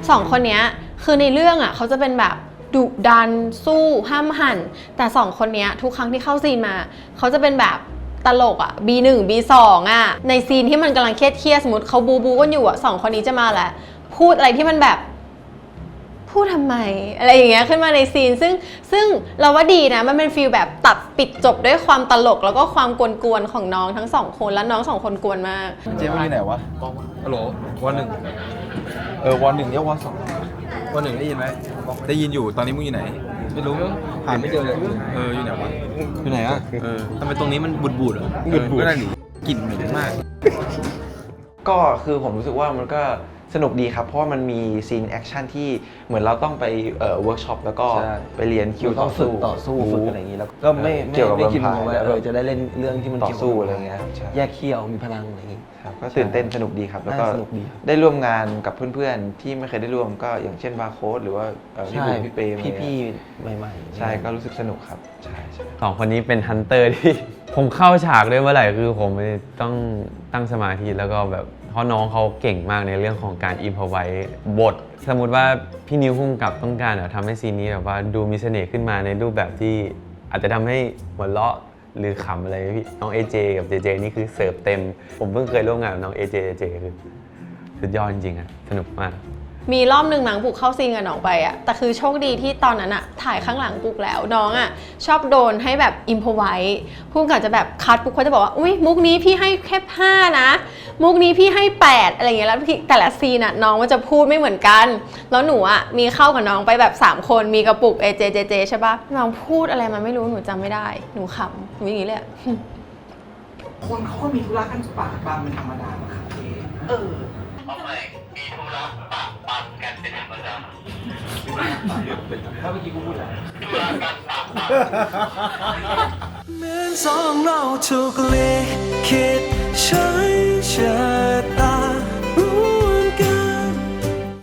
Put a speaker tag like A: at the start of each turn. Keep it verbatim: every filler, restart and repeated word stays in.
A: สองคนนี้คือในเรื่องอ่ะเขาจะเป็นแบบดุดันสู้ห้ามหันแต่สองคนนี้ทุกครั้งที่เข้าซีนมาเขาจะเป็นแบบตลกอ่ะ บี หนึ่ง บี สอง อ่ะในซีนที่มันกำลังเครียดเครียดสมมติเขาบูบูกันอยู่อ่ะสองคนนี้จะมาแหละพูดอะไรที่มันแบบพูดทำไมอะไรอย่างเงี้ยขึ้นมาในซีนซึ่งซึ่งเราว่าดีนะมันเป็นฟีลแบบตัดปิดจบด้วยความตลกแล้วก็ความกวนๆของน้องทั้งสองคนแล้วน้องสองคนกวนมาก
B: เจ๊มึงอยู่ไหนวะฮัลโหลวันหนึ่งเออวันหนึ่งเรียกวันสองวันหนึ่งได้ยินไหมได้ยินอยู่ตอนนี้มึงอยู่ไหนไม่รู้หาไม่เจอเลยเอออยู่ไหนวะอยู่ไหนอ่ะเออทำไมตรงนี้มันบูดบูดเหรอบูดบูดก็ได้หนิกลิ่นเหม็นมาก
C: ก็คือผมรู้สึกว่ามันก็สนุกดีครับเพราะว่ามันมีซีนแอคชั่นที่เหมือนเราต้องไปเอ่อเวิร์กช็อปแล้วก็ไปเรียนคิวต่อสู้
D: ต่อสู้ฝึกอะไรอย่างนี้แล้วก็ไม่ไม่ไม่คิดว่าเออจะได้เล่นเรื่องที่มัน
C: ต่อสู้อะไรเงี้ย
D: แยกเขี้ยวมีพลังอะไรอย่างนี้
C: ครับก็ตื่นเต้นสนุกดีครับแล้วก็ได้ร่วมงานกับเพื่อนๆที่ไม่เคยได้ร่วมก็อย่างเช่นบาร์โค้ดหรือว่าพี่บุ๋มพี่เปย์
D: พี่ๆใหม่
C: ๆใช่ก็รู้สึกสนุกครับใช่
E: สองคนนี้เป็นฮันเตอร์ที่ผมเข้าฉากด้วยเมื่อไหร่คือผมต้องตั้งสมาธิแล้วก็แบบเพราะน้องเขาเก่งมากในเรื่องของการอิมพอไว้บทสมมติว่าพี่นิ้วพุ่งกับต้องการทำให้ซีนนี้แบบว่าดูมีเสน่ห์ขึ้นมาในรูปแบบที่อาจจะทำให้หัวเราะหรือขำอะไรพี่น้องเอเจกับเจเจนี่คือเสิร์ฟเต็มผมเพิ่งเคยร่วมงานกับน้องเอเจเจคือสุดยอดจริงๆอะสนุกมาก
A: มีรอบหนึ่งหนังปุกเข้าซีนกับน้องไปอะแต่คือโชคดีที่ตอนนั้นอะถ่ายข้างหลังปุกแล้วน้องอะชอบโดนให้แบบอิมพอไว้พูดกันจะแบบคัดปุกเขาจะบอกว่าอุ้ยมุกนี้พี่ให้แค่ห้านะมุกนี้พี่ให้แปดอะไรอย่างเงี้ยแล้วแต่ละซีนอะน้องมันจะพูดไม่เหมือนกันแล้วหนูอะมีเข้ากับน้องไปแบบสามคนมีกระปุกเอเจเจเจใช่ปะน้องพูดอะไรมาไม่รู้หนูจำไม่ได้หนูขำหนูอย่างงี้เลย
F: คนเขาก็มีธุระกันปากบางเป็นธรรมดาครับเออ
G: ทำไมมีธุระปะปันกันเป็นธรรมดา
B: ถ้าเมื่อกี้กูพูดอะไร
G: ธุระกันปะปัน
F: เหมือนสองเราถูกลิขิต